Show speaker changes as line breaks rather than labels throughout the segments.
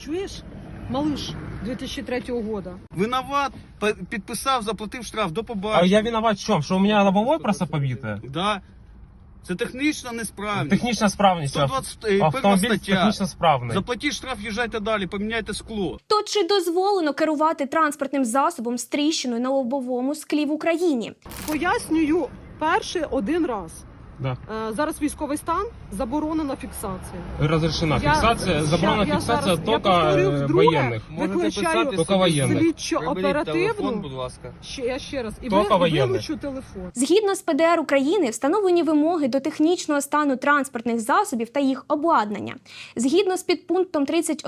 Чуєш, малыш 2003 года?
Виноват, підписав, заплатив штраф, до
А
побачення.
я виноват в чем? Что у меня лобовое просто побитое?
Да. Це технічна несправність.
Технічна справність.
121
Автомобіль
стаття.
технічно справний.
Заплатіть штраф, їжджайте далі, поміняйте скло.
То чи дозволено керувати транспортним засобом з тріщиною на лобовому склі в Україні?
Пояснюю перший один раз.
Да.
Зараз військовий стан, заборонена фіксація.
Разрешена фиксация, забрана фиксация только военных.
Виключаю
Только военных.
слідчо-оперативну.
ласка.
Я ще раз. І
Тільки воєнних.
вилучу телефон.
Згідно з ПДР України, встановлені вимоги до технічного стану транспортних засобів та їх обладнання. Згідно з підпунктом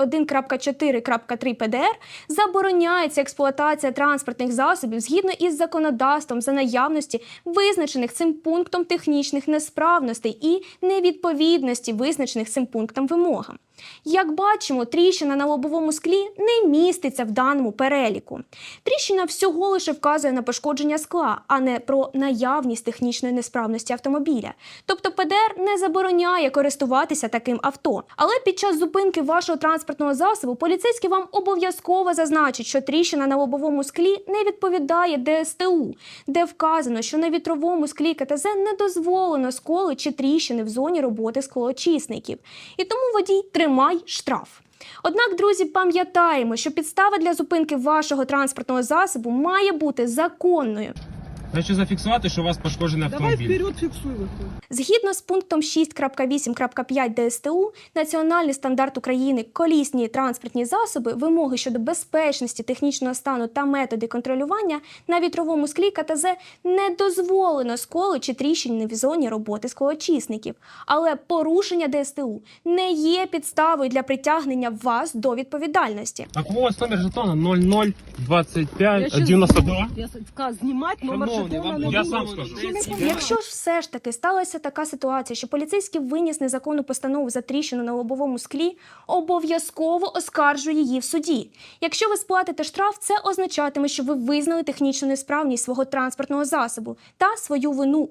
31.4.3 ПДР, забороняється експлуатація транспортних засобів згідно із законодавством за наявності визначених цим пунктом технічних несправностей і невідповідності визначених цим пунктом вимогам. Як бачимо, тріщина на лобовому склі не міститься в даному переліку. Тріщина всього лише вказує на пошкодження скла, а не про наявність технічної несправності автомобіля. Тобто ПДР не забороняє користуватися таким авто. Але під час зупинки вашого транспортного засобу поліцейський вам обов'язково зазначить, що тріщина на лобовому склі не відповідає ДСТУ, де вказано, що на вітровому склі КТЗ не дозволено сколи чи тріщини в зоні роботи склоочисників. І тому водій тримай штраф. Однак, друзі, пам'ятаємо, що підстава для зупинки вашого транспортного засобу має бути законною.
Хочу зафіксувати, що у вас пошкоджений
Давай
автомобіль.
вперед фіксуй виходь.
Згідно з пунктом 6.8.5 ДСТУ, Національний стандарт України «Колісні транспортні засоби», вимоги щодо безпечності, технічного стану та методи контролювання на вітровому склі КТЗ не дозволено сколи чи тріщини в зоні роботи склоочисників. Але порушення ДСТУ не є підставою для притягнення вас до відповідальності.
Так ось номер жетона 0025
Я ще
92.
Я сказав, знімати номер
Шановні,
жетона
вам
не
я
буду.
сам скажу.
Якщо ж все ж таки сталася така ситуація, що поліцейський виніс незаконну постанову за тріщину на лобовому склі, обов'язково оскаржує її в суді. Якщо ви сплатите штраф, це означатиме, що ви визнали технічну несправність свого транспортного засобу та свою вину